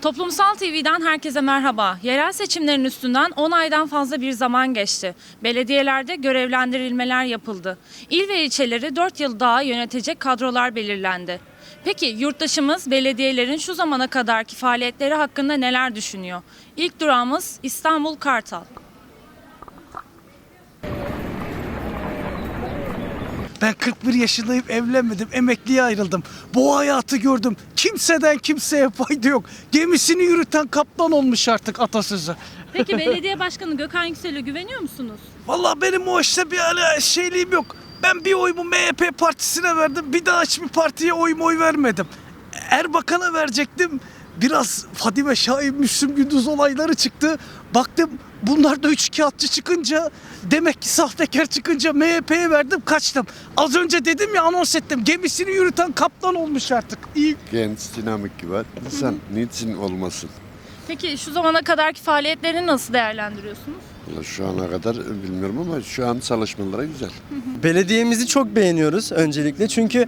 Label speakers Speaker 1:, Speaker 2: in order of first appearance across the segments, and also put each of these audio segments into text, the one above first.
Speaker 1: Toplumsal TV'den herkese merhaba. Yerel seçimlerin üstünden 10 aydan fazla bir zaman geçti. Belediyelerde görevlendirilmeler yapıldı. İl ve ilçeleri 4 yıl daha yönetecek kadrolar belirlendi. Peki yurttaşımız belediyelerin şu zamana kadarki faaliyetleri hakkında neler düşünüyor? İlk durağımız İstanbul Kartal.
Speaker 2: Ben 41 yaşındayım, evlenmedim, emekliye ayrıldım. Bu hayatı gördüm. Kimseden kimseye fayda yok. Gemisini yürüten kaptan olmuş artık atasözü.
Speaker 1: Peki belediye başkanı Gökhan Yüksel'e güveniyor musunuz?
Speaker 2: Vallahi benim o işte bir şeyliğim yok. Ben bir oyumu MHP partisine verdim. Bir daha hiçbir partiye oy vermedim. Erbakan'a verecektim. Biraz Fadime Şahin, Müslüm Gündüz olayları çıktı. Baktım bunlar da üçkağıtçı çıkınca, demek ki sahtekar çıkınca MHP'ye verdim, kaçtım. Az önce dedim ya, anons ettim. Gemisini yürüten kaptan olmuş artık. İyi.
Speaker 3: Genç, dinamik gibi. İnsan niçin olmasın?
Speaker 1: Peki şu zamana kadarki faaliyetlerini nasıl değerlendiriyorsunuz?
Speaker 3: Vallahi şu ana kadar bilmiyorum ama şu an çalışmaları güzel.
Speaker 4: Belediyemizi çok beğeniyoruz öncelikle çünkü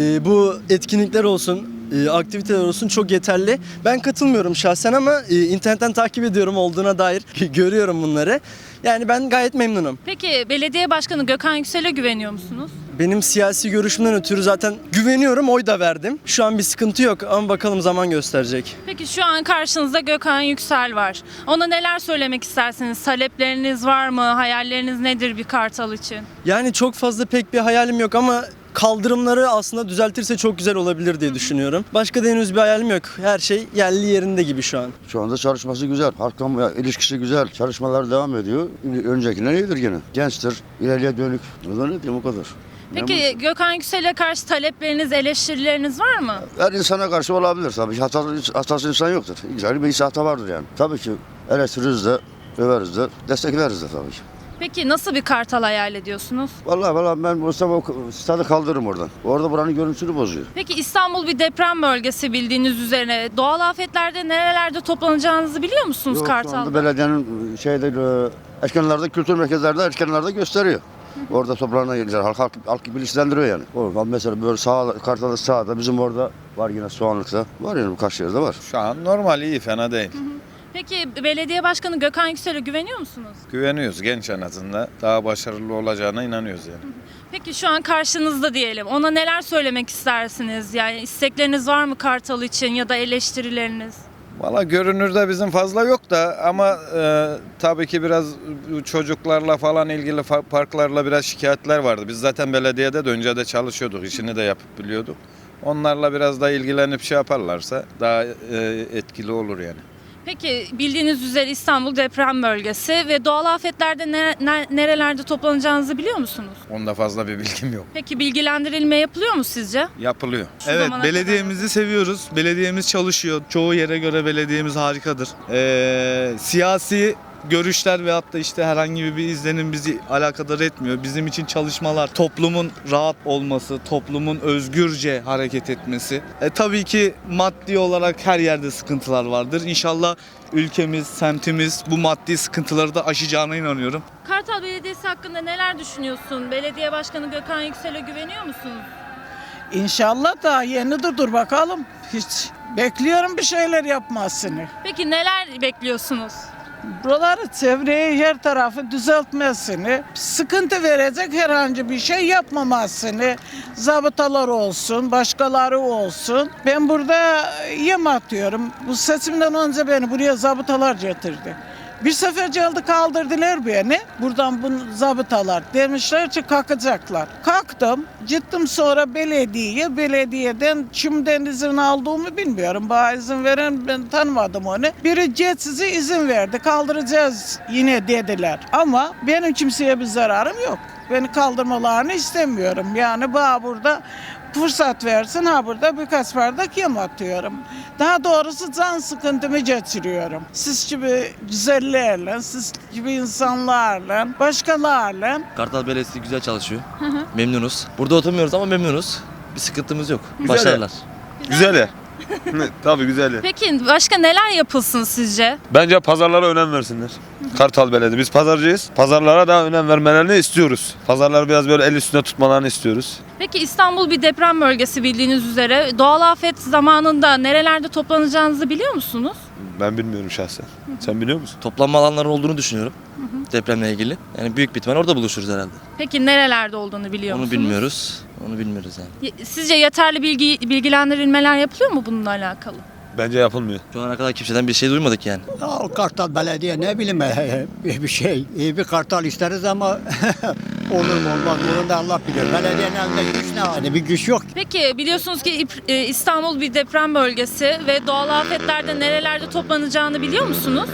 Speaker 4: bu etkinlikler olsun, aktiviteler olsun çok yeterli. Ben katılmıyorum şahsen ama internetten takip ediyorum olduğuna dair görüyorum bunları. Yani ben gayet memnunum.
Speaker 1: Peki belediye başkanı Gökhan Yüksel'e güveniyor musunuz?
Speaker 4: Benim siyasi görüşümden ötürü zaten güveniyorum, oy da verdim. Şu an bir sıkıntı yok ama bakalım zaman gösterecek.
Speaker 1: Peki şu an karşınızda Gökhan Yüksel var. Ona neler söylemek istersiniz? Talepleriniz var mı? Hayalleriniz nedir bir Kartal için?
Speaker 4: Yani çok fazla pek bir hayalim yok ama kaldırımları aslında düzeltirse çok güzel olabilir diye düşünüyorum. Başka da henüz bir hayalim yok. Her şey yerli yerinde gibi şu an.
Speaker 5: Şu anda çalışması güzel. Halkla ilişkisi güzel. Çalışmalar devam ediyor. Öncekinden iyidir gene. Gençtir. İleriye dönük. O da ne diyeyim, o kadar.
Speaker 1: Peki Gökhan Yüksel'e karşı talepleriniz, eleştirileriniz var mı?
Speaker 5: Her insana karşı olabilir tabii. Hatası insan yoktur. Güzel bir hata vardır yani. Tabii ki eleştiririz de, överiz de, destekleriz de tabii ki.
Speaker 1: Peki nasıl bir Kartal hayal ediyorsunuz?
Speaker 5: Vallahi ben olsam o stadı kaldırırım oradan. Orada buranın görüntüsünü bozuyor.
Speaker 1: Peki İstanbul bir deprem bölgesi bildiğiniz üzere. Doğal afetlerde nerelerde toplanacağınızı biliyor musunuz
Speaker 5: Yok, şu anda
Speaker 1: Kartal'da?
Speaker 5: belediyenin etkinlerde, kültür merkezlerde etkinlerde gösteriyor. Orada toprağına gelince halk bilinçlendiriyor yani. Oradan mesela böyle Kartal'da sağda, bizim orada var yine Soğanlık'ta. Var yani birkaç yerde var.
Speaker 6: Şu an normal, iyi, fena değil.
Speaker 1: Peki belediye başkanı Gökhan Yüksel'e güveniyor musunuz?
Speaker 6: Güveniyoruz, genç en azından. Daha başarılı olacağına inanıyoruz yani.
Speaker 1: Peki şu an karşınızda diyelim. Ona neler söylemek istersiniz? Yani istekleriniz var mı Kartal için ya da eleştirileriniz?
Speaker 6: Valla görünürde bizim fazla yok da ama tabii ki biraz çocuklarla falan ilgili parklarla biraz şikayetler vardı. Biz zaten belediyede de önce de çalışıyorduk, işini de yapıp biliyorduk. Onlarla biraz da ilgilenip şey yaparlarsa daha etkili olur yani.
Speaker 1: Peki bildiğiniz üzere İstanbul deprem bölgesi ve doğal afetlerde nerelerde toplanacağınızı biliyor musunuz?
Speaker 6: Onda fazla bir bilgim yok.
Speaker 1: Peki bilgilendirilme yapılıyor mu sizce?
Speaker 6: Yapılıyor.
Speaker 1: Şu
Speaker 7: Evet,
Speaker 1: zamana
Speaker 7: belediyemizi seviyoruz. Belediyemiz çalışıyor. Çoğu yere göre belediyemiz harikadır. Siyasi görüşler veyahut da işte herhangi bir izlenim bizi alakadar etmiyor. Bizim için çalışmalar, toplumun rahat olması, toplumun özgürce hareket etmesi. Tabii ki maddi olarak her yerde sıkıntılar vardır. İnşallah ülkemiz, semtimiz bu maddi sıkıntıları da aşacağına inanıyorum.
Speaker 1: Kartal Belediyesi hakkında neler düşünüyorsun? Belediye Başkanı Gökhan Yüksel'e güveniyor musunuz?
Speaker 8: İnşallah da yenidir, dur bakalım. Hiç bekliyorum bir şeyler yapmasını.
Speaker 1: Peki neler bekliyorsunuz?
Speaker 8: Buraları, çevreyi, her tarafı düzeltmesini, sıkıntı verecek herhangi bir şey yapmamasını, zabıtalar olsun, başkaları olsun. Ben burada yem atıyorum. Bu seçimden önce beni buraya zabıtalar getirdi. Bir sefer geldi, kaldırdılar beni. Buradan bu zabıtalar demişler ki kalkacaklar. Kalktım, gittim sonra belediyeden kimden izin aldığımı bilmiyorum. Bana izin veren, ben tanımadım onu. Biri size izin verdi, kaldıracağız yine dediler. Ama benim kimseye bir zararım yok. Beni kaldırmalarını istemiyorum. Yani bana burada fırsat versin, burada birkaç bardak yem atıyorum. Daha doğrusu can sıkıntımı geçiriyorum. Siz gibi güzellerle, siz gibi insanlarla, başkalarla.
Speaker 9: Kartal Belediyesi güzel çalışıyor. Memnunuz. Burada oturmuyoruz ama memnunuz. Bir sıkıntımız yok.
Speaker 7: Güzel.
Speaker 9: Başarılar.
Speaker 7: Güzel ya.
Speaker 9: Tabii güzel yer.
Speaker 1: Peki başka neler yapılsın sizce?
Speaker 9: Bence pazarlara önem versinler. Kartal Belediye. Biz pazarcıyız. Pazarlara daha önem vermelerini istiyoruz. Pazarları biraz böyle el üstünde tutmalarını istiyoruz.
Speaker 1: Peki İstanbul bir deprem bölgesi bildiğiniz üzere. Doğal afet zamanında nerelerde toplanacağınızı biliyor musunuz?
Speaker 9: Ben bilmiyorum şahsen. Sen biliyor musun?
Speaker 10: Toplanma alanları olduğunu düşünüyorum. Depremle ilgili. Yani büyük bir ihtimal orada buluşuruz herhalde.
Speaker 1: Peki nerelerde olduğunu biliyor
Speaker 10: Onu
Speaker 1: musunuz?
Speaker 10: bilmiyoruz. Onu bilmiyoruz yani.
Speaker 1: Sizce yeterli bilgilendirilmeler yapılıyor mu bununla alakalı?
Speaker 9: Bence yapılmıyor.
Speaker 10: Şu ana kadar kimseden bir şey duymadık yani.
Speaker 11: Ya Kartal Belediye ne bileyim bir şey. İyi bir Kartal isteriz ama olur mu olmaz mı onu da Allah bilir. Belediyenin elinde güç ne? Hani bir güç yok.
Speaker 1: Peki biliyorsunuz ki İstanbul bir deprem bölgesi ve doğal afetlerde nerelerde toplanacağını biliyor musunuz?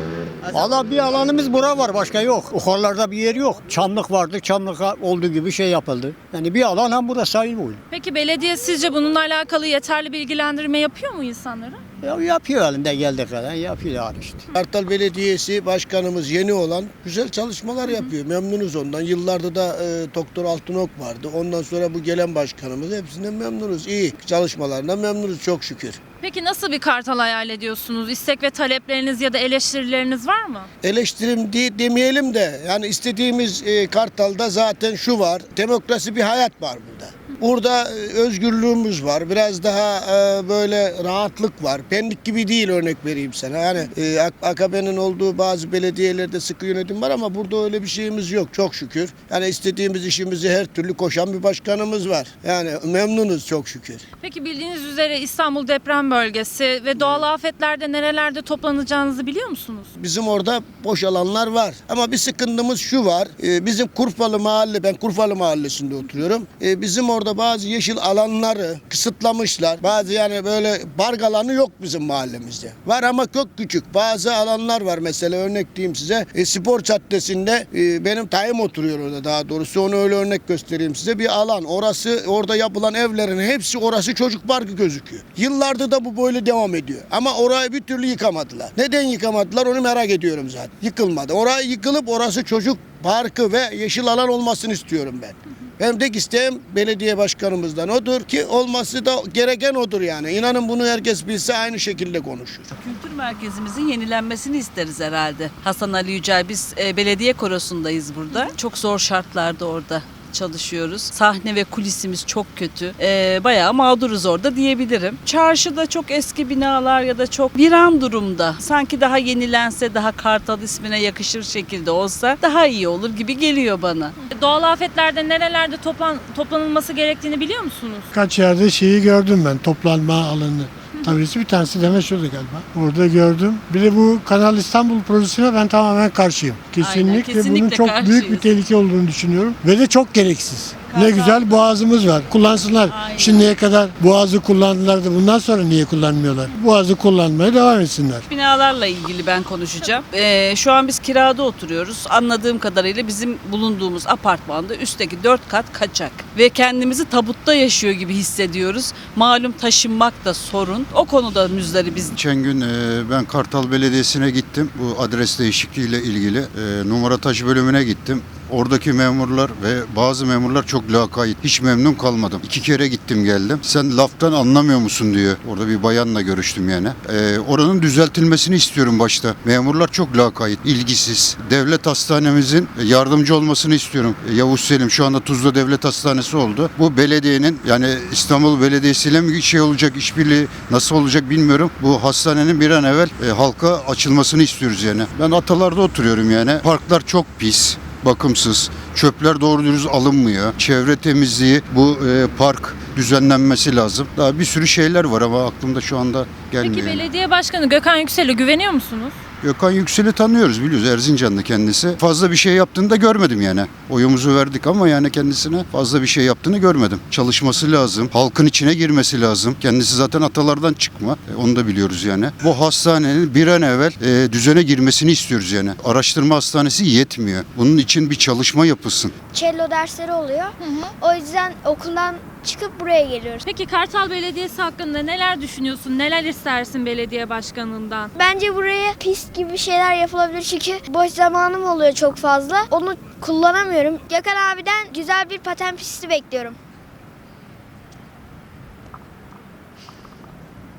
Speaker 11: Valla bir alanımız bura var başka yok. Yukarılarda bir yer yok. Çamlık vardı. Çamlık'a olduğu gibi şey yapıldı. Yani bir alan hem burası sayılır.
Speaker 1: Peki belediye sizce bununla alakalı yeterli bilgilendirme yapıyor mu insanlara?
Speaker 11: Ya yapıyor elinde geldiği kadar yapıyor yani işte.
Speaker 12: Kartal Belediyesi Başkanımız yeni olan güzel çalışmalar yapıyor. Memnunuz ondan. Yıllarda da Doktor Altınok vardı. Ondan sonra bu gelen başkanımız hepsinden memnunuz. İyi çalışmalarından memnunuz çok şükür.
Speaker 1: Peki nasıl bir Kartal hayal ediyorsunuz? İstek ve talepleriniz ya da eleştirileriniz var mı?
Speaker 12: Eleştirim demeyelim de yani istediğimiz Kartal'da zaten şu var. Demokrasi bir hayat var burada. Burada özgürlüğümüz var. Biraz daha böyle rahatlık var. Pendik gibi değil örnek vereyim sana. Yani AKP'nin olduğu bazı belediyelerde sıkı yönetim var ama burada öyle bir şeyimiz yok çok şükür. Yani istediğimiz işimizi her türlü koşan bir başkanımız var. Yani memnunuz çok şükür.
Speaker 1: Peki bildiğiniz üzere İstanbul deprem bölgesi ve doğal afetlerde nerelerde toplanacağınızı biliyor musunuz?
Speaker 12: Bizim orada boş alanlar var. Ama bir sıkıntımız şu var. Bizim Kurfalı mahalle, ben Kurfalı mahallesinde oturuyorum. Bizim orada bazı yeşil alanları kısıtlamışlar. Bazı yani böyle park alanı yok bizim mahallemizde. Var ama çok küçük. Bazı alanlar var mesela örnek diyeyim size. Spor Caddesi'nde benim dayım oturuyor orada daha doğrusu. Onu öyle örnek göstereyim size. Bir alan. Orası orada yapılan evlerin hepsi orası çocuk parkı gözüküyor. Yıllardır da bu böyle devam ediyor. Ama orayı bir türlü yıkamadılar. Neden yıkamadılar onu merak ediyorum zaten. Yıkılmadı. Orayı yıkılıp orası çocuk parkı ve yeşil alan olmasını istiyorum ben. Benim tek isteğim belediye başkanımızdan odur ki olması da gereken odur yani. İnanın bunu herkes bilse aynı şekilde konuşur.
Speaker 13: Kültür merkezimizin yenilenmesini isteriz herhalde. Hasan Ali Yücel, biz belediye korosundayız burada. Çok zor şartlarda orada çalışıyoruz. Sahne ve kulisimiz çok kötü. Bayağı mağduruz orada diyebilirim. Çarşıda çok eski binalar ya da çok viran durumda. Sanki daha yenilense, daha Kartal ismine yakışır şekilde olsa daha iyi olur gibi geliyor bana.
Speaker 1: Doğal afetlerde nerelerde toplanılması gerektiğini biliyor musunuz?
Speaker 14: Kaç yerde şeyi gördüm ben toplanma alanı. Tabii bir tanesi de meşhurdu galiba. Orada gördüm. Bir de bu Kanal İstanbul projesine ben tamamen karşıyım. Kesinlikle bunun çok büyük bir tehlike olduğunu düşünüyorum. Ve de çok gereksiz. Ne güzel boğazımız var. Kullansınlar.
Speaker 13: Aynen.
Speaker 14: Şimdiye kadar boğazı kullandılar da bundan sonra niye kullanmıyorlar? Boğazı kullanmaya devam etsinler.
Speaker 13: Binalarla ilgili ben konuşacağım. Şu an biz kirada oturuyoruz. Anladığım kadarıyla bizim bulunduğumuz apartmanda üstteki 4 kat kaçak. Ve kendimizi tabutta yaşıyor gibi hissediyoruz. Malum taşınmak da sorun. O konuda müzdaribiz.
Speaker 15: Geçen gün ben Kartal Belediyesi'ne gittim. Bu adres değişikliğiyle ilgili numara taşı bölümüne gittim. Oradaki memurlar ve bazı memurlar çok lakayt. Hiç memnun kalmadım. 2 kere gittim geldim. Sen laftan anlamıyor musun diyor. Orada bir bayanla görüştüm yani. Oranın düzeltilmesini istiyorum başta. Memurlar çok lakayt, ilgisiz. Devlet hastanemizin yardımcı olmasını istiyorum. Yavuz Selim şu anda Tuzla Devlet Hastanesi oldu. Bu belediyenin yani İstanbul Belediyesi ile mi şey olacak, işbirliği nasıl olacak bilmiyorum. Bu hastanenin bir an evvel halka açılmasını istiyoruz yani. Ben Atalar'da oturuyorum yani. Parklar çok pis, bakımsız, çöpler doğru dürüst alınmıyor. Çevre temizliği, bu park düzenlenmesi lazım. Daha bir sürü şeyler var ama aklımda şu anda gelmiyor.
Speaker 1: Peki belediye başkanı Gökhan Yüksel'e güveniyor musunuz?
Speaker 15: Gökhan Yüksel'i tanıyoruz biliyoruz Erzincanlı kendisi. Fazla bir şey yaptığını da görmedim yani. Oyumuzu verdik ama yani kendisine fazla bir şey yaptığını görmedim. Çalışması lazım, halkın içine girmesi lazım. Kendisi zaten atalardan çıkma, onu da biliyoruz yani. Bu hastanenin bir an evvel düzene girmesini istiyoruz yani. Araştırma hastanesi yetmiyor. Bunun için bir çalışma yapılsın.
Speaker 16: Cello dersleri oluyor. O yüzden okuldan çıkıp buraya geliyoruz.
Speaker 1: Peki Kartal Belediyesi hakkında neler düşünüyorsun? Neler istersin belediye başkanından?
Speaker 16: Bence buraya pist gibi şeyler yapılabilir çünkü boş zamanım oluyor çok fazla. Onu kullanamıyorum. Gökhan abiden güzel bir paten pisti bekliyorum.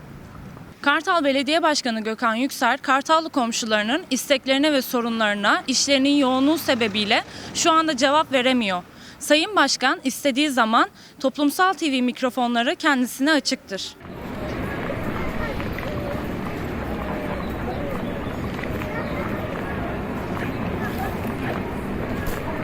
Speaker 1: Kartal Belediye Başkanı Gökhan Yüksel, Kartallı komşularının isteklerine ve sorunlarına işlerinin yoğunluğu sebebiyle şu anda cevap veremiyor. Sayın Başkan istediği zaman Toplumsal TV mikrofonları kendisine açıktır.